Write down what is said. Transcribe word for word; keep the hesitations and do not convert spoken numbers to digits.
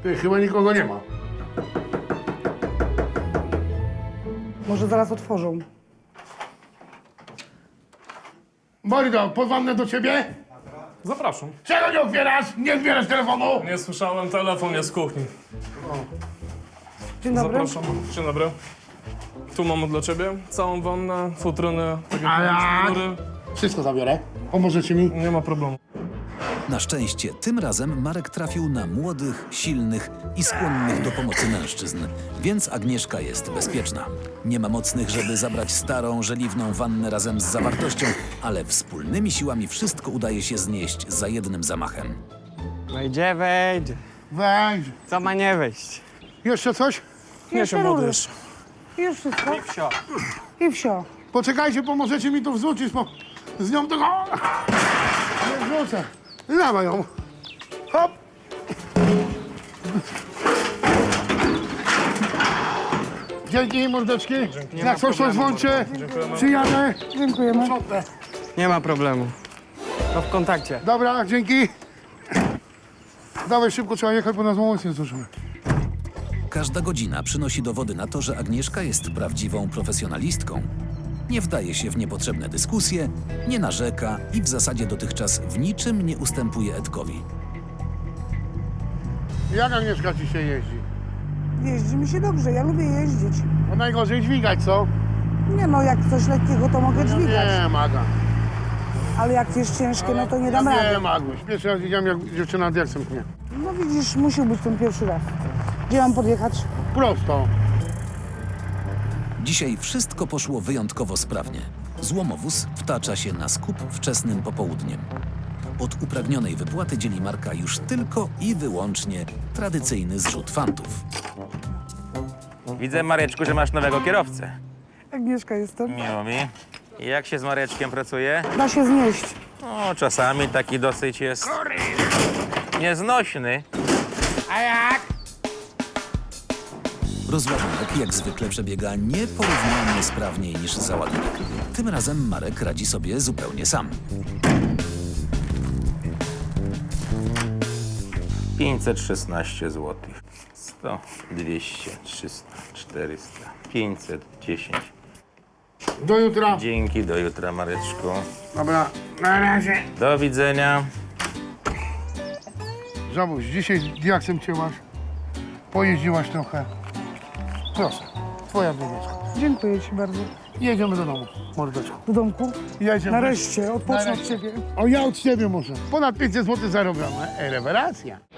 Ty, chyba nikogo nie ma. Może zaraz otworzą. Mordo, pozwannę do ciebie? Zapraszam. Czego nie otwierasz? Nie odbierasz telefonu? Nie słyszałem, telefon jest z kuchni. Dzień dobry. Zapraszam. Dzień dobry. Tu mamy dla ciebie całą wannę, futrynę, tak jak A jak? mówisz, mury. Wszystko zabiorę. Pomożecie mi? Nie ma problemu. Na szczęście tym razem Marek trafił na młodych, silnych i skłonnych do pomocy mężczyzn, więc Agnieszka jest bezpieczna. Nie ma mocnych, żeby zabrać starą, żeliwną wannę razem z zawartością, ale wspólnymi siłami wszystko udaje się znieść za jednym zamachem. Wejdzie, wejdzie. Weź. Co ma nie wejść? Jeszcze coś? Nie się młody jeszcze. I już wszystko. I wsio. I wsio. Poczekajcie, pomożecie mi tu wrzucić, bo z nią tego... Nie wrzucę. Dawaj ją. Hop. Dzięki, mordeczki. Jak coś to dzwońcie. Przyjadę. Dziękujemy. Sprzątnę. Nie ma problemu. To w kontakcie. Dobra, dzięki. Dawaj szybko, trzeba jechać, bo nas mocno nie zdążymy. Każda godzina przynosi dowody na to, że Agnieszka jest prawdziwą profesjonalistką. Nie wdaje się w niepotrzebne dyskusje, nie narzeka i w zasadzie dotychczas w niczym nie ustępuje Edkowi. Jak Agnieszka dzisiaj jeździ? Jeździ mi się dobrze, ja lubię jeździć. No najgorzej dźwigać, co? Nie no, jak coś lekkiego, to mogę dźwigać. Nie, Maga. Ale jak jest ciężkie, no to nie dam Nie, rady. Maguś. Pierwszy raz widziałem, jak dziewczyna diaksem pnie. No widzisz, musi być ten pierwszy raz. Gdzie mam podjechać? Prosto. Dzisiaj wszystko poszło wyjątkowo sprawnie. Złomowóz wtacza się na skup wczesnym popołudniem. Od upragnionej wypłaty dzieli Marka już tylko i wyłącznie tradycyjny zrzut fantów. Widzę, Mareczku, że masz nowego kierowcę. Agnieszka jestem. Miło mi. I jak się z Mareczkiem pracuje? Da się znieść. No, czasami taki dosyć jest nieznośny. Rozładunek jak zwykle przebiega nieporównanie sprawniej niż załadunek. Tym razem Marek radzi sobie zupełnie sam. pięćset szesnaście złotych. sto, dwieście, trzysta, czterysta, pięćset dziesięć. Do jutra. Dzięki, do jutra, Mareczku. Dobra, na razie. Do widzenia. Żabuś, dzisiaj diaksem cięłaś. Pojeździłaś trochę. Proszę, twoja bluzeczka. Dziękuję ci bardzo. Jedziemy do domu, mordeczko. Do domku? Jedziemy. Nareszcie, odpocznę od Nareszcie. ciebie. O, ja od ciebie muszę. Ponad pięćset złotych zarobione. Rewelacja.